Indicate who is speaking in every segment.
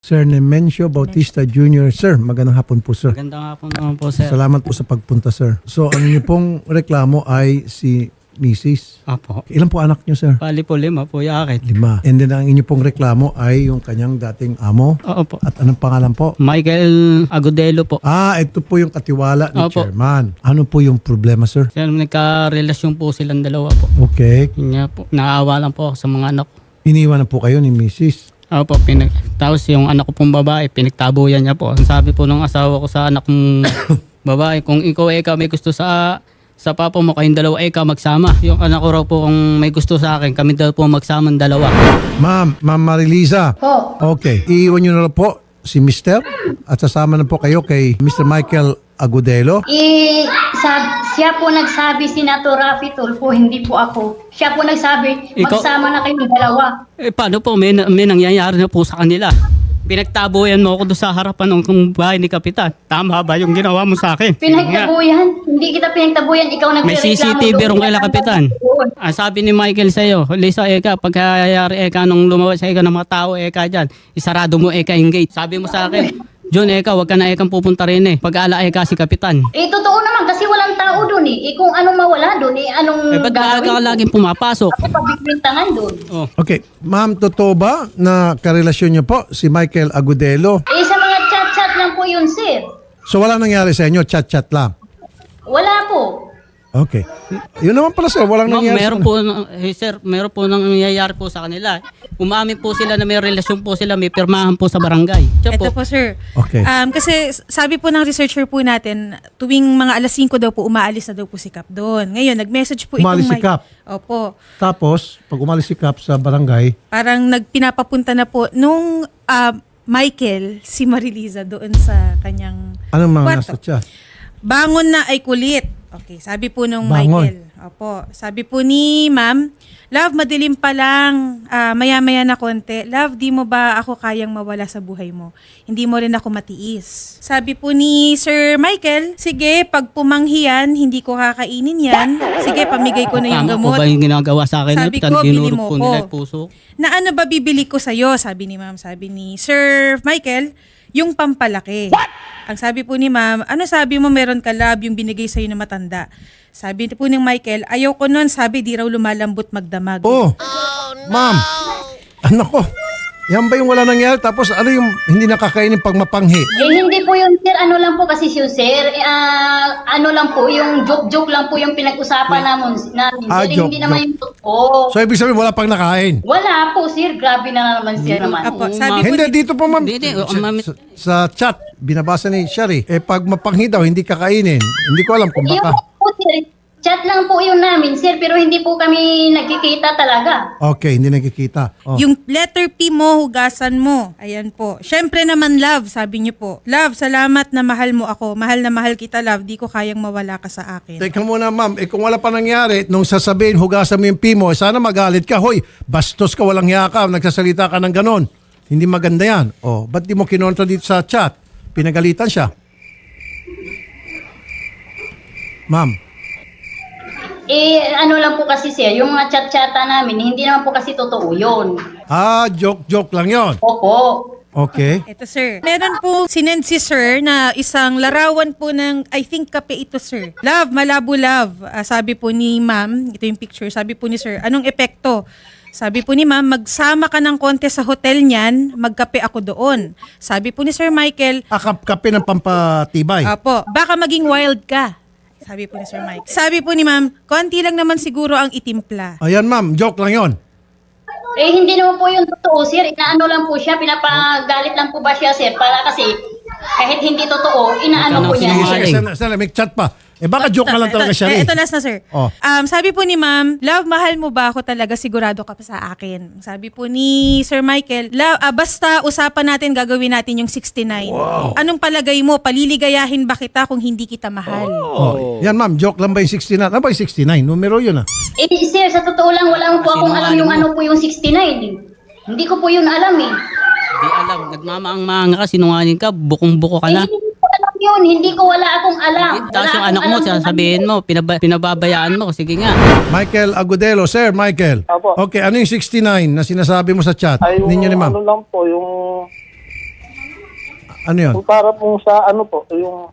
Speaker 1: Sir Nemencio Bautista Jr. Sir, magandang hapon po, sir.
Speaker 2: Magandang hapon naman po, sir.
Speaker 1: Salamat po sa pagpunta, sir. So, ang inyo pong reklamo ay si Mrs.
Speaker 2: Apo.
Speaker 1: Ilan po anak nyo, sir?
Speaker 2: Bali po 5 po, yakit.
Speaker 1: 5. And then, ang inyo pong reklamo ay yung kanyang dating amo.
Speaker 2: Oo po.
Speaker 1: At anong pangalan po?
Speaker 2: Michael Agudelo po.
Speaker 1: Ito po yung katiwala ni
Speaker 2: Opo.
Speaker 1: Chairman. Ano po yung problema, sir?
Speaker 2: Sir, nagka-relasyon po silang dalawa po.
Speaker 1: Okay.
Speaker 2: Yun nga po. Naawa lang po ako sa mga anak ko.
Speaker 1: Iniwan na po kayo ni Mrs.
Speaker 2: Opo, tapos yung anak ko pong babae, pinagtabuyan niya po. Ang sabi po ng asawa ko sa anak kong babae, kung ikaw may gusto sa papa mo, kayong dalawa magsama. Yung anak ko raw po kung may gusto sa akin, kami daw po magsama dalawa.
Speaker 1: Ma'am Marilisa.
Speaker 3: Po.
Speaker 1: Okay. Iiwan nyo na lang po si Mr. at sasama na po kayo kay Mr. Michael Agudelo.
Speaker 3: Siya po nagsabi, Senator Raffy Tulfo, hindi po ako. Siya po nagsabi,
Speaker 2: Ikaw?
Speaker 3: magsama na kayong dalawa.
Speaker 2: Paano po? May nangyayari na po sa kanila. Pinagtabuyan mo ako doon sa harapan ng bahay ni Kapitan. Tama ba yung ginawa mo sa akin?
Speaker 3: Pinagtabuyan? Hindi kita pinagtabuyan, ikaw
Speaker 2: May
Speaker 3: nagreklamo.
Speaker 2: CCTV ron kaila, Kapitan. Sabi ni Michael sa'yo, Lisa, pagkayari nung lumabas sa ng mga tao, dyan, isarado mo yung gate. Sabi mo sa akin, John, wag ka na pupunta rin Pag-ala si Kapitan.
Speaker 3: Totoo naman kasi walang tao doon kung anong mawala doon, anong
Speaker 2: Ba't maaga ka laging pumapasok?
Speaker 3: Ako pabibintangan doon.
Speaker 2: Oh.
Speaker 1: Okay. Ma'am, totoo ba na karelasyon niyo po si Michael Agudelo?
Speaker 3: Sa mga chat-chat lang po yun, sir.
Speaker 1: So wala nangyari sa inyo, chat-chat lang?
Speaker 3: Wala po.
Speaker 1: Okay. Yun naman pala, sir, walang nangyari
Speaker 2: Meron
Speaker 1: sa
Speaker 2: po, sir, meron po nangyayari po sa kanila. Umamin po sila na may relasyon po sila, may pirmahan po sa barangay. Siya
Speaker 4: Ito po, sir.
Speaker 1: Okay.
Speaker 4: Kasi sabi po ng researcher po natin, tuwing mga alas 5 daw po, umaalis na daw po si Kap doon. Ngayon, nag-message po
Speaker 1: Umalis si
Speaker 4: Mike.
Speaker 1: Kap?
Speaker 4: Opo.
Speaker 1: Tapos, pag umalis si Cap sa barangay,
Speaker 4: Parang nagpinapapunta na po nung Michael, si Marilisa doon sa kanyang
Speaker 1: anong mga
Speaker 4: kwarto.
Speaker 1: nasa chat?
Speaker 4: Bangon na ay kulit. Okay, sabi po nung
Speaker 1: Bangon.
Speaker 4: Michael. Opo. Sabi po ni Ma'am, Love, madilim pa lang. Maya-maya na konti. Love, di mo ba ako kayang mawala sa buhay mo? Hindi mo rin ako matiis. Sabi po ni Sir Michael, sige, pag pumanghiyan, hindi ko kakainin yan. Sige, pamigay ko na yung
Speaker 2: Tama po
Speaker 4: gamot.
Speaker 2: ba yung ginagawa sa akin?
Speaker 4: Sabi
Speaker 2: Kapitan?
Speaker 4: ko, bili
Speaker 2: Dinurog
Speaker 4: mo
Speaker 2: po
Speaker 4: ko.
Speaker 2: nila yung puso.
Speaker 4: Na ano ba bibili ko sa'yo? Sabi ni Ma'am. Sabi ni Sir Michael, yung pampalaki. Ang sabi po ni Ma'am, ano sabi mo meron ka love yung binigay sa'yo na matanda? Sabi po ni Michael, ayaw ko nun, sabi di raw lumalambot magdamag.
Speaker 1: Oh, ma'am, anak ko, yan ba yung wala nangyari? Tapos ano yung hindi nakakainin pag mapanghi?
Speaker 3: Hindi po yun, sir. Ano lang po kasi yun, sir. Ano lang po, yung joke-joke lang po yung pinag-usapan namin. Sir,
Speaker 1: Joke,
Speaker 3: hindi naman yung totoo.
Speaker 1: So, ibig sabihin, wala pang nakain?
Speaker 3: Wala po, sir. Grabe na naman, sir naman.
Speaker 4: Apo,
Speaker 2: Oo,
Speaker 4: sabi po
Speaker 1: Hindi,
Speaker 4: ni-
Speaker 1: dito po, ma'am.
Speaker 2: Hindi, ma'am.
Speaker 1: Sa chat, binabasa ni Shari, pag mapanghi daw, hindi kakainin. Hindi ko alam kung
Speaker 3: Yung
Speaker 1: baka.
Speaker 3: po, sir, chat lang po yun namin, sir. Pero hindi po kami nagkikita talaga.
Speaker 1: Okay, hindi nakikita. Oh.
Speaker 4: Yung letter P mo, hugasan mo. Ayan po. Syempre naman, love, sabi niyo po. Love, salamat na mahal mo ako. Mahal na mahal kita, love. Di ko kayang mawala ka sa akin.
Speaker 1: Teka muna, ma'am. Kung wala pa nangyari, nung sasabihin, hugasan mo yung pimo, sana magalit ka. Hoy, bastos ka, walang hiya ka, nagsasalita ka ng ganon. Hindi maganda yan. Oh, ba't di mo kinontra dito sa chat? Pinagalitan siya. Ma'am.
Speaker 3: Ano lang po kasi, sir, yung mga chat-chata namin, hindi naman po kasi totoo yun.
Speaker 1: Joke lang yon.
Speaker 3: Opo.
Speaker 1: Okay.
Speaker 4: Ito, sir. Meron po sinend si sir na isang larawan po ng, I think, kape ito, sir. Love, malabo love. Sabi po ni ma'am, ito yung picture, sabi po ni sir, anong epekto? Sabi po ni ma'am, magsama ka ng konti sa hotel niyan, magkape ako doon. Sabi po ni Sir Michael,
Speaker 1: Kape ng pampatibay.
Speaker 4: apo, baka maging wild ka. Sabi po ni Sir Mike. Sabi po ni ma'am, konti lang naman siguro ang itimpla.
Speaker 1: Ayan, ma'am. Joke lang yon.
Speaker 3: Hindi naman po yung totoo, sir. Inaano lang po siya, pinapagalit lang po ba siya, sir? Para kasi, kahit hindi totoo, inaano po niya.
Speaker 2: Sinungaling.
Speaker 1: May chat pa. Baka joke na lang talaga siya.
Speaker 4: Ito last na, sir.
Speaker 1: Oh.
Speaker 4: Sabi po ni ma'am, love, mahal mo ba ako talaga? Sigurado ka pa sa akin. Sabi po ni Sir Michael, love, basta usapan natin, gagawin natin yung 69. Wow. Anong palagay mo? Paliligayahin ba kita kung hindi kita mahal?
Speaker 1: Oh. Yan, ma'am. Joke lang ba yung 69? Ano ba yung 69? Numero yun, ah.
Speaker 3: Sir, sa totoo lang, wala po akong alam yung ano po yung 69. Hindi ko po yun alam eh.
Speaker 2: Hindi alam. Nagmamaang-maang ka, sinungaling ka, bukong-buko ka na.
Speaker 3: Hindi ko alam yun. Hindi ko wala akong alam.
Speaker 2: Tapos yung anak mo, sasabihin mo, pinababayaan mo. Sige nga.
Speaker 1: Michael Agudelo. Sir, Michael.
Speaker 5: Apo.
Speaker 1: Okay, ano yung 69 na sinasabi mo sa chat?
Speaker 5: Ay, yung
Speaker 1: Ninyo ni ma'am.
Speaker 5: ano lang po, yung
Speaker 1: Ano yun?
Speaker 5: Yung para po sa ano po,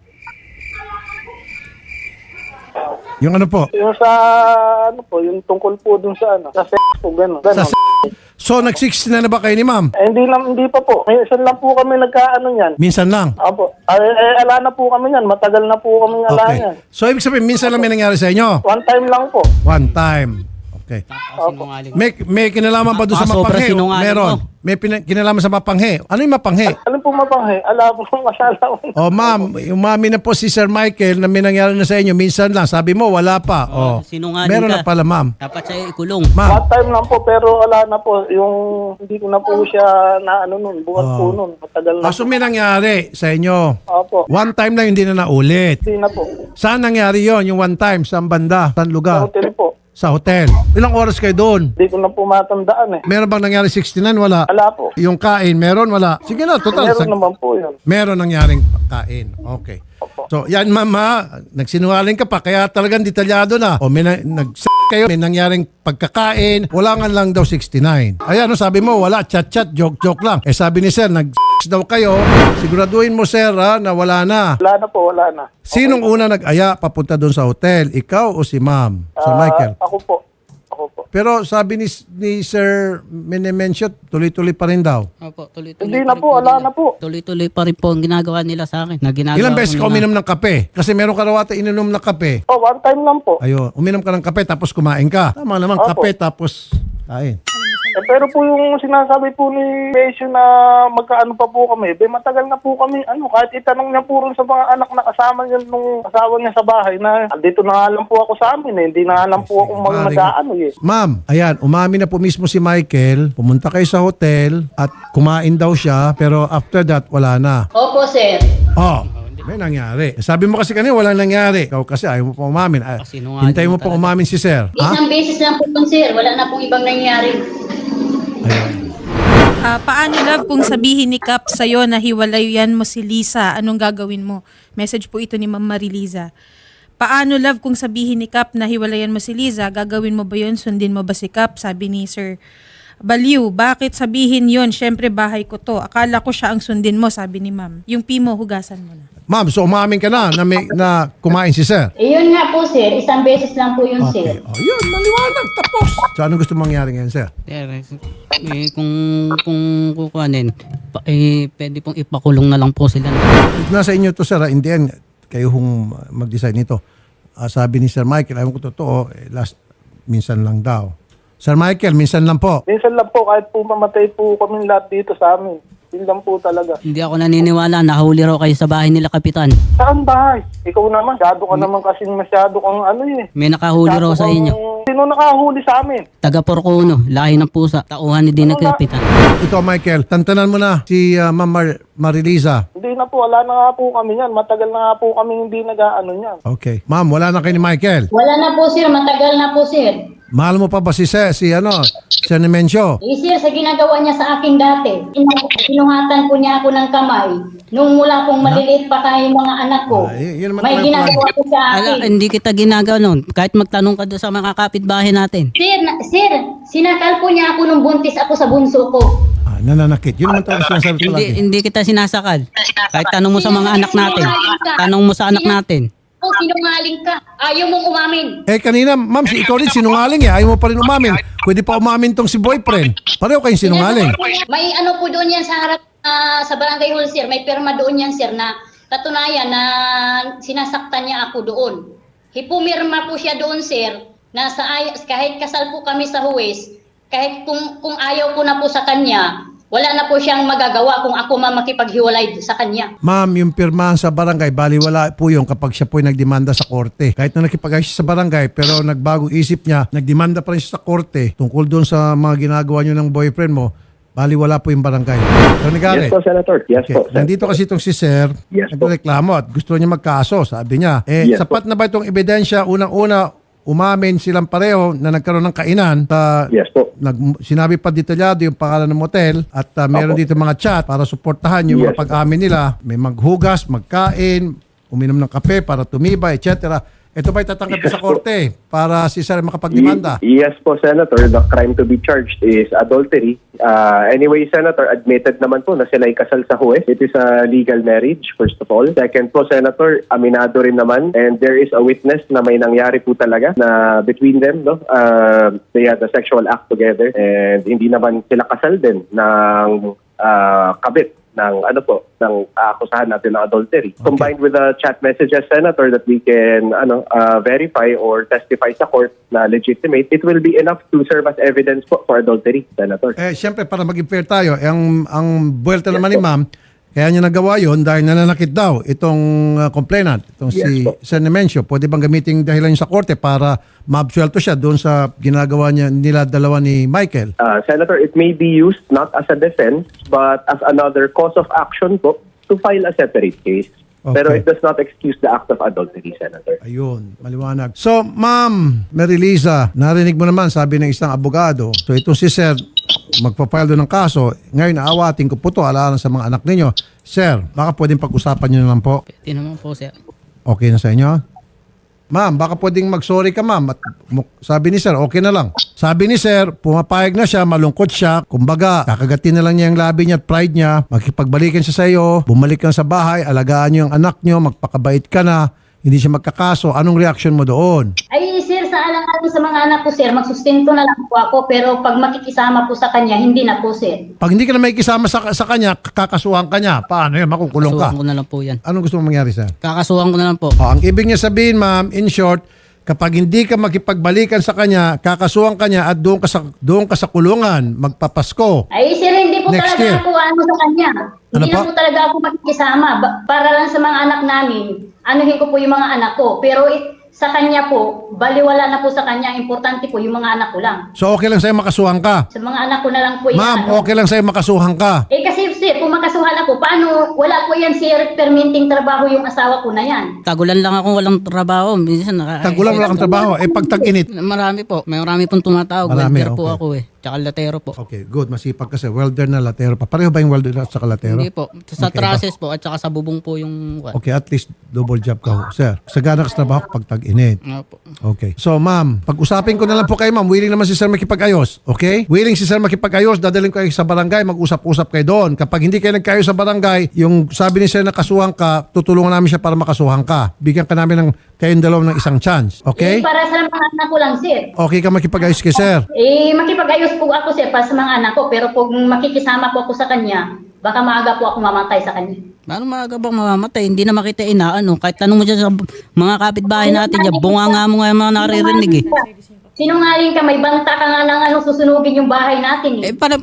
Speaker 1: Yung ano po?
Speaker 5: yung sa ano po, yung tungkol po dun sa ano, sa sex po, gano'n.
Speaker 1: Sa So, nag-60 na ba kayo ni ma'am?
Speaker 5: Hindi pa po. Minsan lang po kami nagkaano niyan.
Speaker 1: Minsan lang.
Speaker 5: Opo. Ala na po kami niyan. Matagal na po kami ala
Speaker 1: Okay.
Speaker 5: niyan.
Speaker 1: So, ibig sabihin, minsan lang may nangyari sa inyo?
Speaker 5: One time lang po.
Speaker 1: One time. Okay.
Speaker 2: Sinungaling.
Speaker 1: May kinalaman ba doon sa
Speaker 2: Sobra
Speaker 1: mapanghe?
Speaker 2: sinungaling
Speaker 1: Meron.
Speaker 2: mo.
Speaker 1: May kinalaman sa mapanghe. Ano yung mapanghe?
Speaker 5: Alam po mapanghe, ala po masala ko.
Speaker 1: Oh, ma'am, umami na po si Sir Michael na may nangyari na sa inyo. Minsan lang. Sabi mo, wala pa. Oh.
Speaker 2: Sinungaling
Speaker 1: Meron
Speaker 2: ka.
Speaker 1: na pala, ma'am.
Speaker 2: Dapat sa'yo ikulong.
Speaker 1: Ma'am,
Speaker 5: One time lang po, pero ala na po. Yung hindi ko na po siya na ano nun, buwan po nun. Matagal na.
Speaker 1: so may nangyari sa inyo.
Speaker 5: Opo.
Speaker 1: One time lang, hindi na naulit.
Speaker 5: Hindi na po.
Speaker 1: Saan nangyari yon yung one time? Saan banda? Saan
Speaker 5: Sa
Speaker 1: lugar?
Speaker 5: hotel po.
Speaker 1: Sa hotel. Ilang oras kayo doon?
Speaker 5: Hindi ko na po matandaan eh.
Speaker 1: Meron bang nangyari 69? Wala.
Speaker 5: Ala po.
Speaker 1: Yung kain, meron? Wala. Sige na, total.
Speaker 5: Meron naman po yun.
Speaker 1: Meron nangyaring kain. Okay. So, yan mama, nagsinungaling ka pa, kaya talagang detalyado na. O may kayo, may nangyaring pagkakain, wala nga lang daw 69. Ayan, no, sabi mo, wala, chat-chat, joke-joke lang. Eh sabi ni sir, daw kayo, siguraduhin mo sir ha, na wala na.
Speaker 5: Wala na po, wala na.
Speaker 1: Sinong una nag-aya papunta doon sa hotel? Ikaw o si ma'am? Sir Michael?
Speaker 5: Ako po. Ako po.
Speaker 1: Pero sabi ni Sir Menemensyo, tuloy-tuloy pa rin daw.
Speaker 2: Opo, tuloy-tuloy
Speaker 5: Hindi
Speaker 2: pa
Speaker 5: na
Speaker 2: rin
Speaker 5: po, wala
Speaker 2: nila.
Speaker 5: na po.
Speaker 2: Tuloy-tuloy pa rin po ang ginagawa nila sa akin. Na ginagawa
Speaker 1: Ilang beses
Speaker 2: ko
Speaker 1: ka
Speaker 2: nila.
Speaker 1: uminom ng kape? Kasi meron ka raw ata ininom na kape.
Speaker 5: Oh, one time lang po.
Speaker 1: Ayun, uminom ka ng kape tapos kumain ka. Tama naman,
Speaker 5: Opo.
Speaker 1: kape tapos kain.
Speaker 5: Pero po yung sinasabi po ni Besyo na magkaano pa po kami, matagal na po kami, kahit itanong niya po rin sa mga anak na kasama niya nung asawa niya sa bahay na dito na nga lang po ako sa amin hindi na nga lang po ako mag-ano eh.
Speaker 1: Ma'am, ayan, umami na po mismo si Michael. Pumunta kayo sa hotel at kumain daw siya pero after that, wala na.
Speaker 3: Opo, sir.
Speaker 1: Oh, may nangyari. Sabi mo kasi kanina walang nangyari. Ikaw kasi ayaw mo pa umamin.
Speaker 2: Sinungaling
Speaker 1: Hintay mo pa
Speaker 2: talaga.
Speaker 1: umamin si sir. Ha?
Speaker 3: Isang beses lang po yun, sir. Wala na pong ibang nangyari.
Speaker 1: Ayun.
Speaker 4: Paano love kung sabihin ni Kap sa'yo na hiwalayan mo si Lisa, anong gagawin mo? Message po ito ni Ma'am Mariliza. Paano love kung sabihin ni Kap na hiwalayan mo si Liza, gagawin mo ba yun? Sundin mo ba si Kap? Sabi ni Sir Baliw, bakit sabihin yon? Syempre bahay ko to. Akala ko siya ang sundin mo, sabi ni Ma'am. Yung pimo, hugasan mo na.
Speaker 1: Ma'am, so umamin ka na na kumain si sir?
Speaker 3: Yun nga po, sir. Isang beses lang po yun,
Speaker 1: Okay.
Speaker 3: sir.
Speaker 1: Oh, yun, maliwanag. Tapos. So, anong gusto mangyari ngayon, sir?
Speaker 2: Sir, kung kukuhanin, pwede pong ipakulong na lang po sila.
Speaker 1: Nasa inyo to, sir. In the end, kayo hong mag-decide nito. Sabi ni Sir Michael, ayaw ko totoo, minsan lang daw. Sir Michael, minsan lang po.
Speaker 5: Minsan lang po, kahit po mamatay po kami lahat dito sa amin. Yun lang po talaga.
Speaker 2: Hindi ako naniniwala, nahuli raw kayo sa bahay nila, Kapitan.
Speaker 5: Saan bahay? Ikaw naman, masyado ka naman kasing masyado kang
Speaker 2: May nakahuli raw sa inyo.
Speaker 5: Sino nakahuli sa amin?
Speaker 2: Taga Porcuno, lahi ng pusa, tauhan ni Dina Kapitan.
Speaker 1: Ikaw, Michael, tantanan mo na si Ma'am Mariliza.
Speaker 5: Hindi na po, wala na nga po kami yan. Matagal na nga po kami hindi nag-ano yan.
Speaker 1: Okay. Ma'am, wala na kayo ni Michael.
Speaker 3: Wala na po, sir. Matagal na po, sir.
Speaker 1: Mahal mo pa ba si Sir Nemensyo?
Speaker 3: Sir, sa ginagawa niya sa akin dati, sinuhatan po niya ako ng kamay. Nung mula pong maliliit pa tayo mga anak ko,
Speaker 1: Yun naman
Speaker 3: may
Speaker 1: talaga
Speaker 3: ginagawa po sa akin.
Speaker 2: Hindi kita ginagawa noon. Kahit magtanong ka doon sa mga kapitbahay natin.
Speaker 3: Sir, sinakal po niya ako nung buntis ako sa bunso ko.
Speaker 1: Nananakit. Yun naman talaga sinasabi ko lagi.
Speaker 2: Hindi kita sinasakal. Kahit tanong mo sa mga anak natin. Tanong mo sa anak natin.
Speaker 3: Oh, sinungaling ka. Ayaw mong umamin.
Speaker 1: Kanina, ma'am, ikaw rin sinungaling Ayaw mo pa rin umamin. Pwede pa umamin tong si boyfriend. Pareho kayong sinungaling.
Speaker 3: May ano po doon yan sa harap sa barangay hall, sir. May perma doon yan, sir, na katunayan na sinasaktan niya ako doon. Hipumirma po siya doon, sir, na kahit kasal po kami sa huwes, kahit kung ayaw ko na po sa kanya, wala na po siyang magagawa kung ako makipaghiwalay sa kanya.
Speaker 1: Ma'am, yung pirmahan sa barangay, baliwala po yung kapag siya po nagdemanda sa korte. Kahit na nakipag-ayos siya sa barangay, pero nagbago isip niya, nagdemanda pa rin siya sa korte tungkol doon sa mga ginagawa niyo ng boyfriend mo, baliwala po yung barangay. So,
Speaker 6: Yes po, Senator. Yes po.
Speaker 1: Nandito kasi itong si Sir,
Speaker 6: Yes po.
Speaker 1: nagreklamo at gusto niya magkaso. Sabi niya,
Speaker 6: Yes
Speaker 1: sapat na ba itong ebidensya? Unang-una, umamin silang pareho na nagkaroon ng kainan.
Speaker 6: Yes po.
Speaker 1: Sinabi pa detalyado yung pangalan ng motel at meron dito mga chat para suportahan yung mga
Speaker 6: Yes.
Speaker 1: pag-amin nila. May maghugas, magkain, uminom ng kape para tumibay, etc. Ito ba'y tatanggap sa korte para si Sir makapagdemanda?
Speaker 6: Yes po, Senator. The crime to be charged is adultery. Anyway, Senator, admitted naman po na sila'y kasal sa huwes. It is a legal marriage, first of all. Second po, Senator, aminado rin naman. And there is a witness na may nangyari po talaga na between them, no? They had a sexual act together. And hindi naman sila kasal din ng kabit ng akusahan natin ng adultery. Combined with the chat messages, Senator, that we can verify or testify sa court na legitimate, it will be enough to serve as evidence po for adultery, Senator.
Speaker 1: Siyempre, para maging fair tayo, ang buwelta naman ni ma'am, kaya niya nagawa yon dahil nananakit daw itong complainant, itong si Sir Nemencio. Pwede bang gamitin dahilan niya sa korte para maabsuelto siya doon sa ginagawa nila dalawa ni Michael?
Speaker 6: Senator, it may be used not as a defense but as another cause of action po to file a separate case.
Speaker 1: Okay.
Speaker 6: Pero it does not excuse the act of adultery, Senator.
Speaker 1: Ayun, maliwanag. So, Ma'am Mariliza, narinig mo naman, sabi ng isang abogado, so itong si Sir, magpa-file doon ng kaso, ngayon aawatin ko po ito, alaala sa mga anak ninyo. Sir, baka pwedeng pag-usapan nyo na lang po.
Speaker 2: Pwede naman po, sir.
Speaker 1: Okay na sa inyo? Ma'am, baka pwedeng mag-sorry ka, ma'am. At sabi ni Sir, okay na lang. Sabi ni Sir, pumapayag na siya, malungkot siya. Kumbaga, kakagatin na lang niya yung labi niya at pride niya. Magkipagbalikan siya sa iyo, bumalik ka sa bahay, alagaan niyo yung anak niyo, magpakabait ka na, hindi siya magkakaso. Anong reaction mo doon?
Speaker 3: Ay, sir, sa alang-alang sa mga anak ko, sir, magsustento na lang po ako. Pero pag makikisama po sa kanya, hindi na po, sir.
Speaker 1: Pag hindi ka na may kisama sa kanya, kakasuhan ka niya. Paano yan? Makukulong ka.
Speaker 2: Kakasuhan ko na lang po yan.
Speaker 1: Anong gusto mong mangyari, Sir?
Speaker 2: Kakasuhan ko na lang po.
Speaker 1: Ang ibig niya sabihin, ma'am, in short, kapag hindi ka makipagbalikan sa kanya, kakasuhan ka niya at doon ka sa kulungan, magpapasko.
Speaker 3: Ay, sir, hindi po
Speaker 1: Next
Speaker 3: talaga
Speaker 1: year.
Speaker 3: ako sa kanya.
Speaker 1: Ano
Speaker 3: Hindi
Speaker 1: po?
Speaker 3: na po talaga ako makikisama. Para lang sa mga anak namin, anuhin ko po yung mga anak ko. Pero sa kanya po, baliwala na po sa kanya. Importante po yung mga anak ko lang.
Speaker 1: So okay lang sa'yo makasuhan ka?
Speaker 3: Sa mga anak ko na lang po yung
Speaker 1: Ma'am, okay lang sa'yo makasuhan ka?
Speaker 3: Eh kasi sir, kung makasuhan ako, paano, wala po yan sir, permitting trabaho yung asawa ko na yan.
Speaker 2: Tagulan lang ako, walang trabaho. Minsan
Speaker 1: Tagulan wala kang trabaho. Pag tag-init.
Speaker 2: Marami po. May marami pong tumatawag.
Speaker 1: Marami,
Speaker 2: Welder po
Speaker 1: okay.
Speaker 2: ako eh. Tsaka latero po.
Speaker 1: Okay, good. Masipag kasi. Welder na latero pa. Pareho ba yung welder at saka latero?
Speaker 2: Hindi po. Sa
Speaker 1: Okay,
Speaker 2: trusses po at saka sa bubong po yung...
Speaker 1: Okay, at least double job ka ho. Sir, sagana ka sa trabaho pag tag-init.
Speaker 2: Nga po.
Speaker 1: Okay. So, ma'am, pag-usapin ko na lang po kayo, ma'am. Willing naman si Sir makipag-ayos. Okay? Willing si Sir makipag-ayos. Dadalhin ko kayo sa barangay. Mag-usap-usap kayo doon. Kapag hindi kayo nagkayo sa barangay, yung sabi ni Sir na kasuhan ka, tutulungan namin siya para makasuhan ka. Bigyan ka namin ng kayong dalawa ng isang chance. Okay?
Speaker 3: Eh, para sa mga anak ko lang sir.
Speaker 1: Okay ka makipag-ayos kay Sir.
Speaker 3: Makipag-ayos po ako sir para sa mga anak ko. Pero kung makikisama po ako sa kanya, baka maaga po ako mamatay sa kanya.
Speaker 2: Paano maaga bang mamamatay? Hindi na makita inaano. Kahit tanong mo dyan sa mga kapitbahay natin, dyan, bunga nga mo nga yung mga naririnig eh.
Speaker 3: Sinungaling ka, may banta ka nga ng susunugin yung bahay natin
Speaker 2: Eh,
Speaker 3: eh.
Speaker 2: para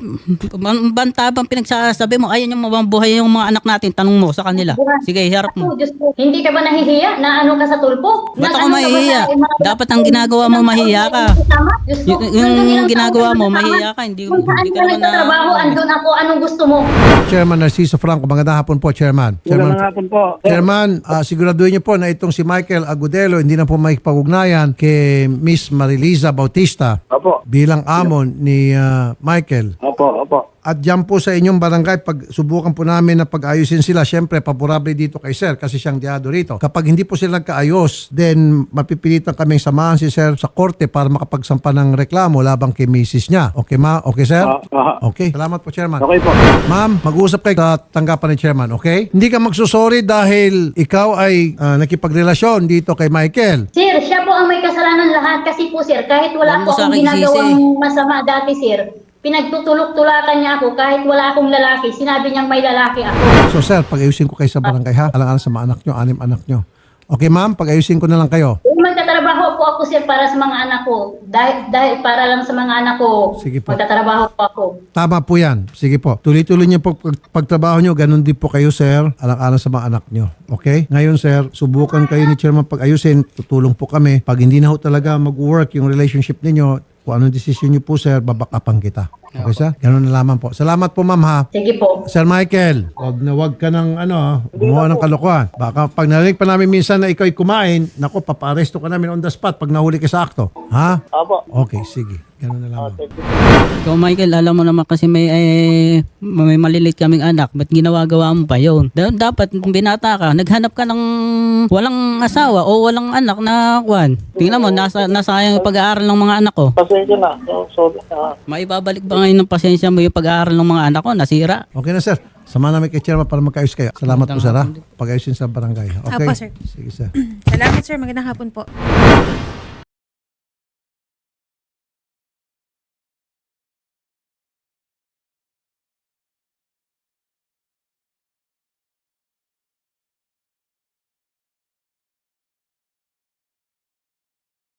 Speaker 2: banta bang pinagsasabi mo, ayaw yung mabuhay yung mga anak natin, tanong mo sa kanila. Sige, harap mo.
Speaker 3: Oh, Diyos ko, hindi ka ba nahihiya na ano ka sa tulpo?
Speaker 2: Ba't ako
Speaker 3: Na ano ka ba
Speaker 2: mahihiya?
Speaker 3: sa mga-
Speaker 2: Dapat ang ginagawa mo, mahiya ka.
Speaker 3: Diyos ko,
Speaker 2: Yung
Speaker 3: hanggang ilang
Speaker 2: ginagawa
Speaker 3: taon
Speaker 2: mo,
Speaker 3: ka
Speaker 2: mahiya
Speaker 3: kasama?
Speaker 2: ka. Hindi
Speaker 3: Kung saan
Speaker 2: ka
Speaker 3: ka
Speaker 2: naman
Speaker 3: nagtatrabaho, andun ako, anong gusto mo?
Speaker 1: Chairman Narciso Franco, magandang hapon po, Chairman.
Speaker 5: Magandang hapon po.
Speaker 1: Chairman, siguraduhin niyo po na itong si Michael Agudelo hindi na po makipag-ugnayan kay Miss Mariliza Bautista
Speaker 5: Opo.
Speaker 1: bilang amon ni Michael.
Speaker 5: Opo.
Speaker 1: At dyan po sa inyong barangay, pag subukan po namin na pag-ayusin sila, syempre, paborable dito kay Sir kasi siyang diado rito. Kapag hindi po sila nagkaayos, then mapipilitan kaming samahan si Sir sa korte para makapagsampa ng reklamo labang kay misis niya. Okay, ma? Okay, Sir? Okay. Salamat po, Chairman.
Speaker 5: Okay po.
Speaker 1: Ma'am, mag-uusap kayo sa tanggapan ni Chairman, okay? Hindi ka magsusorry dahil ikaw ay nakipagrelasyon dito kay Michael.
Speaker 3: Sir, siya po ang may kasalanan lahat kasi po sir, kahit wala
Speaker 2: Huwag mo
Speaker 3: po
Speaker 2: sa
Speaker 3: akong
Speaker 2: akin
Speaker 3: ginagawang
Speaker 2: isisi.
Speaker 3: masama dati sir, pinagtutulok-tulakan niya ako kahit wala akong lalaki, sinabi niyang may lalaki ako.
Speaker 1: So sir, pag-ayusin ko kayo sa barangay ha. Alang-alang sa mga anak nyo, 6 anak nyo. Okay ma'am, pag-ayusin ko na lang kayo.
Speaker 3: Kung magtatrabaho po ako sir para sa mga anak ko, dahil para lang sa mga anak ko,
Speaker 1: Sige po.
Speaker 3: magtatrabaho po ako.
Speaker 1: Tama po yan. Sige po. Tuloy-tuloy niyo po pagtrabaho nyo. Ganun din po kayo sir. Alang-alang sa mga anak nyo. Okay? Ngayon sir, subukan kayo ni Chairman pag-ayusin. Tutulong po kami. Pag hindi na ho talaga mag-work yung relationship ninyo, kung anong desisyon niyo po sir, babakapan kita. Okay sir? Ganun na lamang po. Salamat po ma'am ha.
Speaker 3: Sige po.
Speaker 1: Sir Michael, wag ka ng gumawa ng kalokohan. Baka pag narinig pa namin minsan na ikaw ay kumain, nako, papa-aresto ka namin on the spot pag nahuli ka sa akto. Ha?
Speaker 5: Opo.
Speaker 1: Okay, sige. Ganun na lamang.
Speaker 5: Thank you.
Speaker 2: Ikaw, Michael, alam mo naman kasi may malilit kaming anak. Ba't ginagawa mo pa yun? Dapat, kung binata ka, naghanap ka ng walang asawa o walang anak na kwan. Tingnan mo, nasayang yung pag-aaral ng mga anak ko.
Speaker 5: Pasensya na. Sorry.
Speaker 2: Maibabalik ba ngayon ng pasensya mo yung pag-aaral ng mga anak ko? Nasira.
Speaker 1: Okay na, sir. Sama namin kay Chairman para magkaayos kayo. Salamat po, sir, ha? Pag-ayusin sa barangay. Okay?
Speaker 4: Apo, sir.
Speaker 1: Sige, sir.
Speaker 4: Salamat, sir. Magandang hapon po.